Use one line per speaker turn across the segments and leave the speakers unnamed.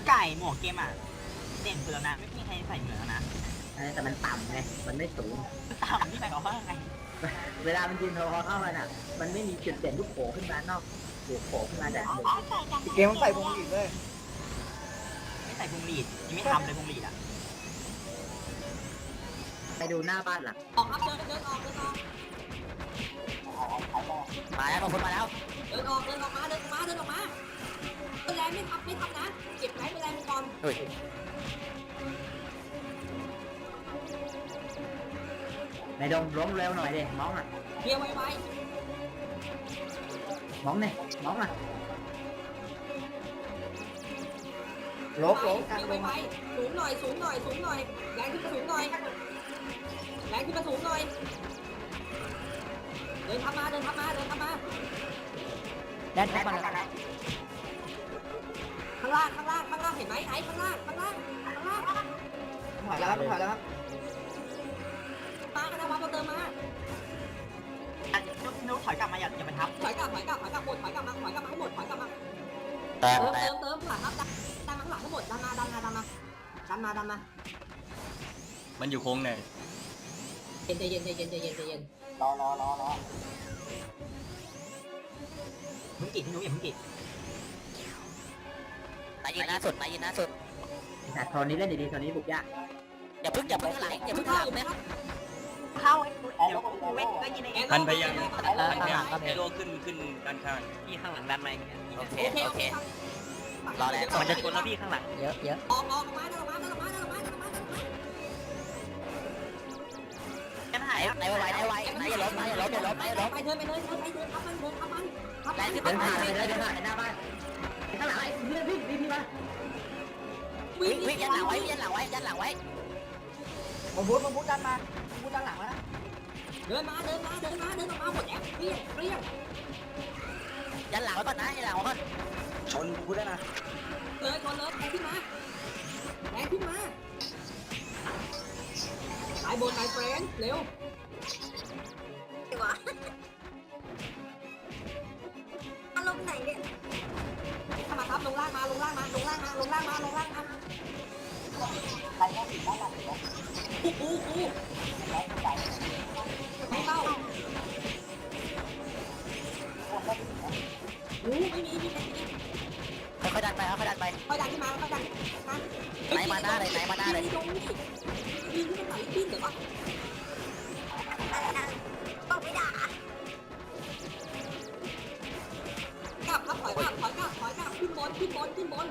ไก่หมวกเกมอ่ะเด่นสุดแล้วนะไม่มีใครใส่เหมือนแล้วนะ
แต่มันต่ำไงมันไม่สูง
ต่ำที่ไหนก็ว่าไง
เวลามันยืนพอเข้ามันอ่ะมันไม่มีจุดเด่นลูกโผล่ขึ้นมานอกหรือโผล่ขึ้นมาจากหนึ่ง
เกมมันใส่พวงหลีดเลย
ไม่ใส่พวงหลีดยังไม่ทำเลยพวงหลีดอ่ะ
ไปดูหน้าบ้านหลัง
ออกครับเดินเดินออกเดินออก
มาแล้วคนมาแล้ว
เดินออกเดินออกมาเดินออกมาเดินออกมาเป็นแรงไม่ทำนะเก็บไหนเป็นแรงก่อน
ในดงล้มเร็วหน่อยดิมองอ่ะ
เพียวไว
มองเนี่ยมองอ่ะ
ลบ
ๆ
ลบ
เพียวไวๆสูงหน่อยสูงหน่อยสูงหน่อยแรงขึ้นมาสูงหน่อยแรงขึ้นมาสูงหน่อยเดินทำมาเดินทำมาเดินทำมา
แดนแท็บมาแล้ว
ข้างล่างข้างล่างข้างล่างเห็นไหมไอ้ข้างล่างข้างล่างข้างล่าง
ถอยแล้วครับถอยแล้วครับ
มากันนะวะมาเติมมา
นุ๊กถอยกลับมาอย่าไปทับ
ถอยกลับหมดถอยกลับมาให้หมดถอยกลับมา
แต่
เติมหลังครับดันมาข้างหลังทั้งหมดดันมา
มันอยู่โค้งไหน
เย็นใจเย็นใจเย็นใจเย็นใจเย็น
รอ
มึงกิดที่นุ๊กอย่ามึงกิด
นายยืนหน้าสุดนายยืนหน้าสุดแต่โทนนี้เล่นดีๆโทนนี้บุกยากอย่าพึ่งไหลอย่าพึ่ง
เข้า
ไหล
ไหมครับ
เข้าเดี๋ยวกูเวทก็ยินเอง
พันไปยังไอโลขึ้นด้านข้าง
พี่ข้างหลังดันมาอย่างเงี้ย
โอเค
โอเค
รอแล้ว
มันจะชนแล้วพี่ข้างหลัง
เยอะ
ออกมา
กันหาย
นายไว้นายอย่าล้มอย่าล้ม
ไปเดินทับมัน
แรงขึ้นเดินผ่านเลยเดินผ่านหน้าบ้านข้างหลังไอ้เพื่อนพี่มาวิ่งยันหลังไว้
ผมพูดดันมาผมพูดด้านหลังแล้ว
เดินมาหมดแล้วเปรี้ยง
ยันหลังไว้ก่อนนะยันหลังไว้ก่อน
ชนพูดได้นะ
เลยก่อนเลยแรงขึ้นมาสายบนสายเฟรนเร็วอารมณ์ไหนเนี่ยถ้ามาครับลงล่างมาใครแค่ติดด้านหลังกูไม่เข้าไม่มี
ค่อยดันไป
ค่อยดันขึ้นมา
ไหนมาหน้าเลย
ยิงที่มันไหลปิ้นเดี๋ยวก่อนต้องไม่ด่ากลับครับถอยกลับขึ้นบนเกียร์เตะเป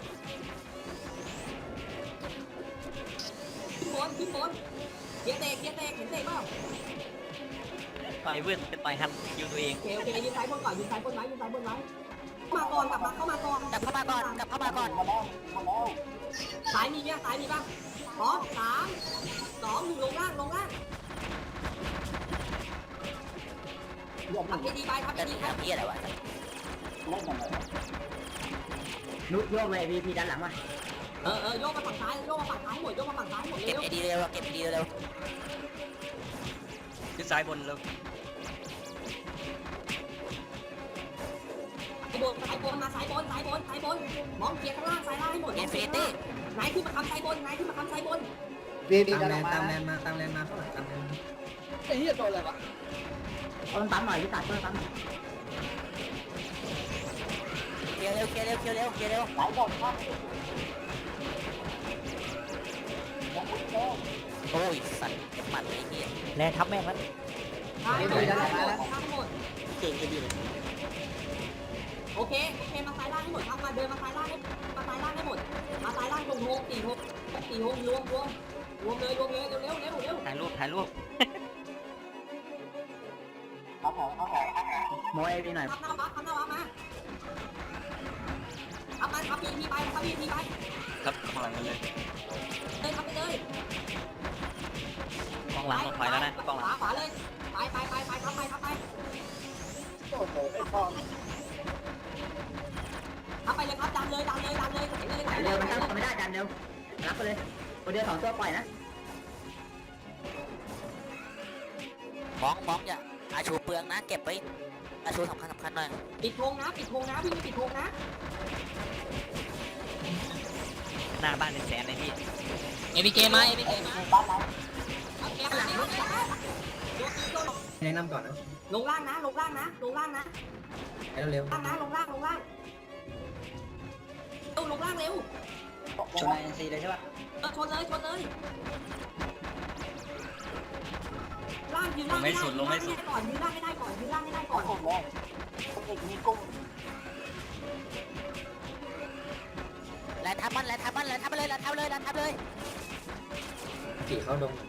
ล่า
ต่อยเวทจะต่อยฮันยิวตัวเอง
โอเคยืนซ้ายบนไว้มาก่อนกลับเข้ามาก่อนซ้ายมีป่ะพร้อม3 2 1ลงล่างทำดีไป
เฮียอะไรวะนุ๊กโยกเลยพีด้านหลังมา
โยกมาฝั่งซ้ายหมดเร็
เก็บ
ว
ไอดีเร็ว
ขึ้นซ้ายบนแล้ว
สายบนมองเกียร์ข้างล่างซ้ายล่างให้หมด
อินฟินิตี้
นายขึ้นมาคำซ้ายบน
ดีดันมา
ตามแลนมาข้างหลังตามแลน
ไอ้เหี้ยโดนอะไรวะ
ต้องปั๊มหน่อยพี่ตัดต้องปั๊มเคลียร์เร็วไหลบอลครับโอ้ยสั่นเก็บหมัดไอ้เหี้ยแรงทับแม่งแล้ว
หมด
เก่งดีเลย
โอเคมาซ้ายล่างให้หมดครับมาเดินมาซ้ายล่างให้หมดมาซ้ายล่างตรงโฮม4 โฮมรวมเลยเร็ว
ถ่ายรูป
โมเอวีหน่อย
ทำหน้าวับมาทับพีไป
ครับข้างหลังกันเลย
ทำไปเลย
กองหลังลงไปแล้วนะกองหลัง
ขวาเลยไปทับไป
โอ้โหไอ้พ่อ
ทับไปเลยครับดันเลย
เร็วมันตั้งไม่ได้ดันเร็วรับไปเลยคนเดียว2 ตัวปล่อยนะมองอย่าอาชูเปลืองนะเก็บไว้อาชูสำคัญหน่อย
ปิดธงนะวิ่งปิดธงนะ
หน้าบ้านเป็นแสนเลยพี่
เอพีเกมาเอพีเกมา
บ้านเรา
แนะนำก่อนนะ
ลงล่างนะลงล่างนะลงล่างนะ
ให้เร็ว
ล่างนะลงล่างลงล่างลงล่างเร็ว
ชนเอ็นซีเลยใช่ปะ
ชนเลยชนเลยล่างยืนล่างไม่ได้ก่อนยืนล่างไม่ได้ก่อนยืนล่างไม่ได้ก่อน
ผมเลยผมเอกมีกุ้ง
แลนทับมันแลนทับมันแลนทับเลยแลนทับเลยแลนทับเลย
ๆขี่เข้าดง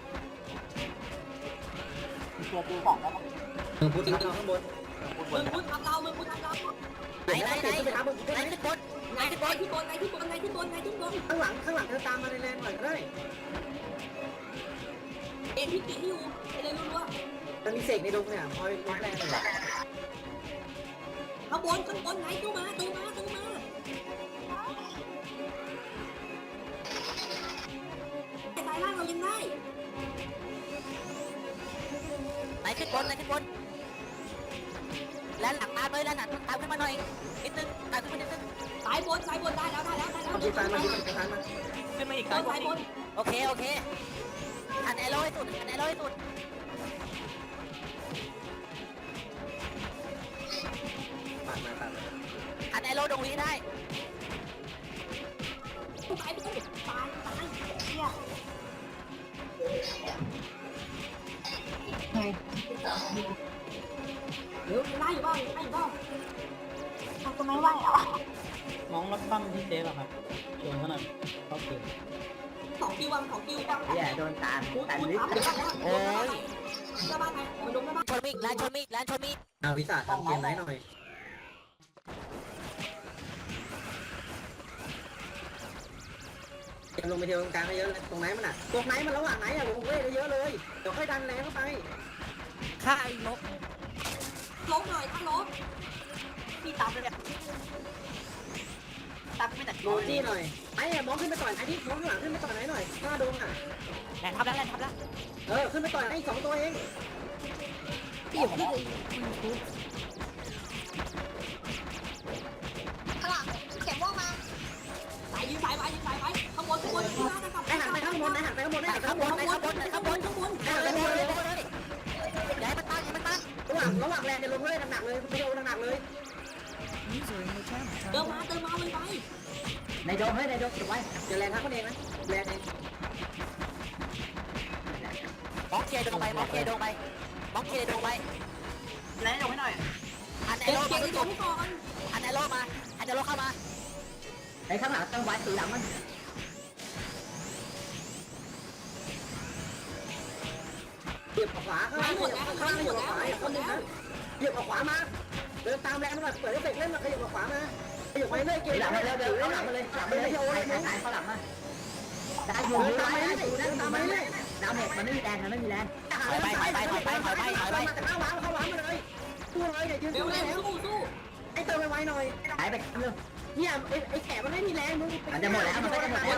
เชียร์ตีของแล้ว
มึงพูดทับเราข้างบน
มึงพูดทำเรามึงพูดทำเรา
ไหนไหนไหน
ขึ้นไปทับมึง
ไหนขึ้นบน
ไหนที่บนที่บนไหนที่บนไหนที่บนไหนที่บน
ข้างหลังเธอตามมาในแลนหน่อยก็ได้
เอ็นที่กินอยู่ไปเลยรัว
มันมีเสกในดงเนี่ยคอยลดแรงหน่อย
ข้างบนไหนตู้มาแต่สายล่างเรายังได้
ไหนขึ้นบนไหนขึ้นบนแลนหลังตามเลยแลนหลังตามขึ้นมาหน่อยนิดนึงตามขึ้นมานิดนึง
สายบนได้แล้ว
มันดีไซน์มันดีไซน์มัน
ขึ้นมาอีก
สายบน
โอเคโอเคหันไอโร่ให้สุดหันไอโร่ให้สุด
ปัดมา
หันไอโร่ดงวีได้
ตายเชี่ยเดี๋ยวไล่บ้างทำไมไหวอ่ะ
น้องรถบ้างที่เจ๊ป่ะครับชวนเขาหน่อยเขาเก่ง
2 คิวบ้าง
อย่าโดนตาม
คุณ
ตันนิด
โอ้ยจะบ้านไหนมันลงได้บ้าน
ชนมีดแลนชนมีดแลนชนมีด
เอาวิสาทำเกมไหนหน่อยเกมลงไปเที่ยวตรงกลางเยอะเลยตรงไหนมันอ่ะตรงไหนมันระหว่างไหนอ่ะลงเว้ยเยอะเลยเดี๋ยวค่อยดันแรงเข้าไป
ฆ่าอีกนก
ล้มหน่อยถ้าล้ม
พี่ตามเลยเนี่ยตามไม่ได้
โรจี้หน่อยไอ้มองขึ้นไปก่อนไอ้ที่มองข้างหลังขึ้นไปก่อนไหนหน่อยหน้าดงอ่ะ
แลนทับแล้วแลนทับแล้ว
ขึ้นไปก่อนไอ้2 ตัวเอง
พี่อยู่พี่
ข้างหลังเก็บว่องมาสายยืนสายไปข้างบนข้างล่างนะครับ
ไอ้หันไปข้างบนไอ้หันไปข้างบนไอ้หันไปข้างบน
ไหนข้างบนไหนข้างบน
ข้างบน
ไอ้หันไปข้างบนเลย
อย่าให้มันตั้งอย่าให้มันตั้ง
ระหว่างแรงจะลงเลยหนักๆเลยไม่โดนหนักๆเลย
เติมมามันไป
ในโดมเฮ้ยในโดมเก็บไว้
เดี๋ยวแรงทักคนเองนะแรงเอง
มองเคลียร์โดงไปมองเคลียร์โดงไปมองเคลียร์โดงไป
แล้วให้หน่อย
หันไอ
เก็บ
โร่
เก็
มา
บตัวให้ก่อน
หันไอโร่มาหันไอโร่เข้ามา
ไอ้ข้างหลังต้องไว้สีหลังมันเหยียบขวาข้างล่างเหยียบขวาเหยียบขวาคนนึงนะเหยียบขวามาเดินตามแรงมันเปิดเอฟเฟกต์เล่นมาขยับขวามาขยับไปเรื่อยเกี่ยวหลังเดินหลังมาเลยหลังมาเลยโอ้ยหายเข้าหลังมาได้อยู่ตามมาเรื่อยตามมาเรื่อยดาวเมจมันไม่มีแรงมันไม่มีแรงถอยไปมาแต่เข้าหวานมาเลยสู้เลยเดี๋ยวยืน
เร็ว
สู้ได้แล้ว
สู้
ไอ้เติมไวๆหน่อยหายไปเรื่องเนี่ยไอ้แขกมันไม่มีแรงมึงมันจะหมดแล้วมันก็จะหมดแล้ว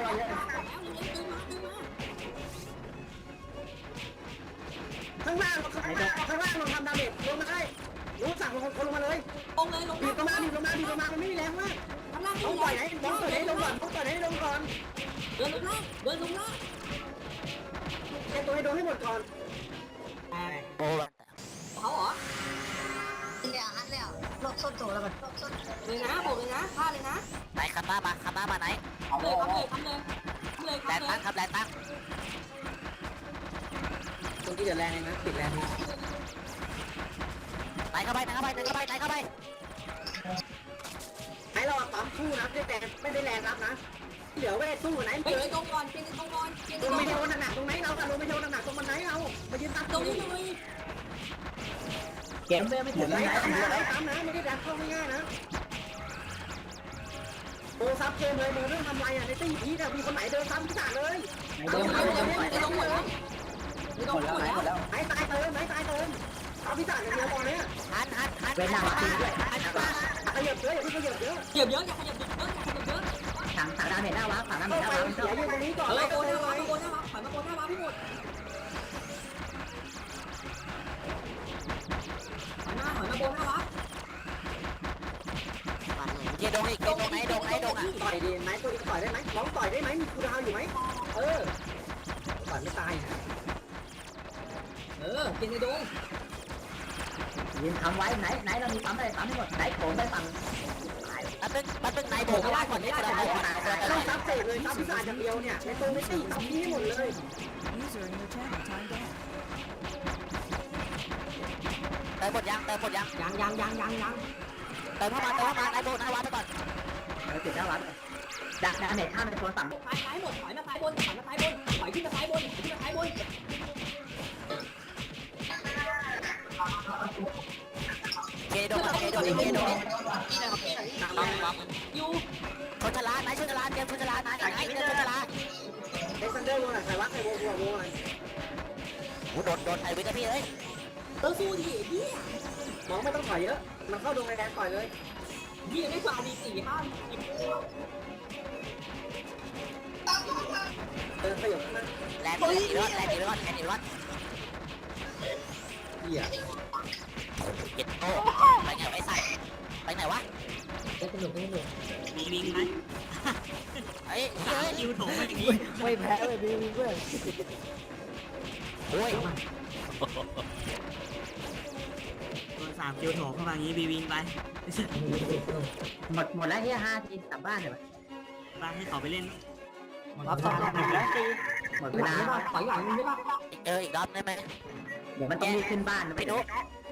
ข้างล่างเราทำดาเมจลงมาได้รู้สั่งคนลงมาเลย
ลงเลยลง
ดีลงมามันไม่มีแรงมาก
ข้างล่าง
ต้องปล่อยไหนต้องปล่อยให้ลงก่อน
เดินลงล่าง
แกตัวให้โดนให้หมดก่อน
โอ้
เขาเหรอ
เนี่ยลบส้นโจแล้วมัน
เลยนะบอกเลยนะฆ่าเลยนะ
ไหนขับมาไหน
เอาเลย
ทำเลย
แรงตั้งครับแรงตั้ง
ตรงที่จะแรงนะติดแรง
ไหนเข้าไป
ไอ้เราปั๊มสู้นะไม่ได้แรงรับนะเดี๋ยวไม่ได้สู้ไหน
เฮ้ยตรงก่อนเปลี่ยนตรงก่อน
ลงไปโดนหนักตรงไหนเราลงไปโดนหนักตรงมันไหนเรามายืนตัด
ตรงนี้เลย
เก็บไม่ถึง
ไหนตามนะไม่ได้ดันเข้าง่ายๆนะโอ้ซับเกมเลยมึงเรื่องทำไรอ่ะในตี้พีแต่มีคนไหนเดินซ้ำพิจารเลย
ลงหมดแล้ว
ไหนตายเติมเอาพิจารอย่างเดียวพอเนี่ย
หันเป็นหน้าบ้านด้วยหันมา
ขยับเยอะอย่าเพิ่งขยับเยอะ
เหยียบเยอะอย่าขยับเยอะ
ถังดาเมจหน้าว้าถังดาเมจหน้าว้า
เสียยืนตรงนี้ก่อน
เฮ้ย
ไล่
โก
ตัวน
ห
ไว้
น้าว้าถอยมาโกนหน้าว้าพี่หมดถอยมาโกนหน้าว้า
เกียร์ดงฮ้ยเกมตรงไหนดงอ่ะ
ต่อยดีไหมตัวนี้ต่อยได้ไหมน้องต่อยได้ไหมมีคูดาวอยู่ไหมต่อยไม่ตาย
กินในดง
ยืนทำไว้ไหนเรามีปั๊มอะไรปั๊มให้หมดไหนโผล่ไปฝั่งมันเป็นไหนโผล่ไม่ได้ก่อนไม่ได้
ต้องซับเสกเลยซับพิซซ่าอย่างเดียวเนี่ยในตัวไม่ตีซับนี้ให้หมดเลย
เติมหมดยัง
ยัง
เติมเข้ามาไหนโผล่หน้าวัดไปก่อนติดหน้าวัดดักเน็ตข้ามไปโซนฝั่ง
ซ้ายหมดถอยมาซ้ายบนถอยขึ้นมาซ้ายบน
เกโด
อยู่
ชนชลาไหนชนชลาเกมชนชลาไหนเกมชนชลา
เอ็กซันเดอร์โดนใครวะใครโว้อะไร
โดนไอวิทย์พี่เอ้ย
สู้ดิเฮีย
น้องไม่ต้องถอยเยอะมันเข้าดงแดงต่อยเลย
เฮียไม่กว่าดี4 5
ขยับขึ้นมา
แรงดีรอด
เหี้ย
เก็บโต้ไปไหนไปใส่ไปไหนวะ
วิ่งไหม
เฮ้ย
คิวโถงไปอย่างนี้
ไม่แพ้เลยบีเพื่อน
โอ้ย
ตัว3คิวโถงเข้ามาอย่างนี้บีวิ่งไป
หมดแล้วเฮีย5 ทีกลับบ้านเลย
ไปให้เขาไปเล่น
รับสองแล้วตี
หมดเวลา
ถอยหลังมึงได้ป่ะ
อีกรอบได้ไหมเดี๋ยวมันต้องรีบขึ้นบ้านไปนุ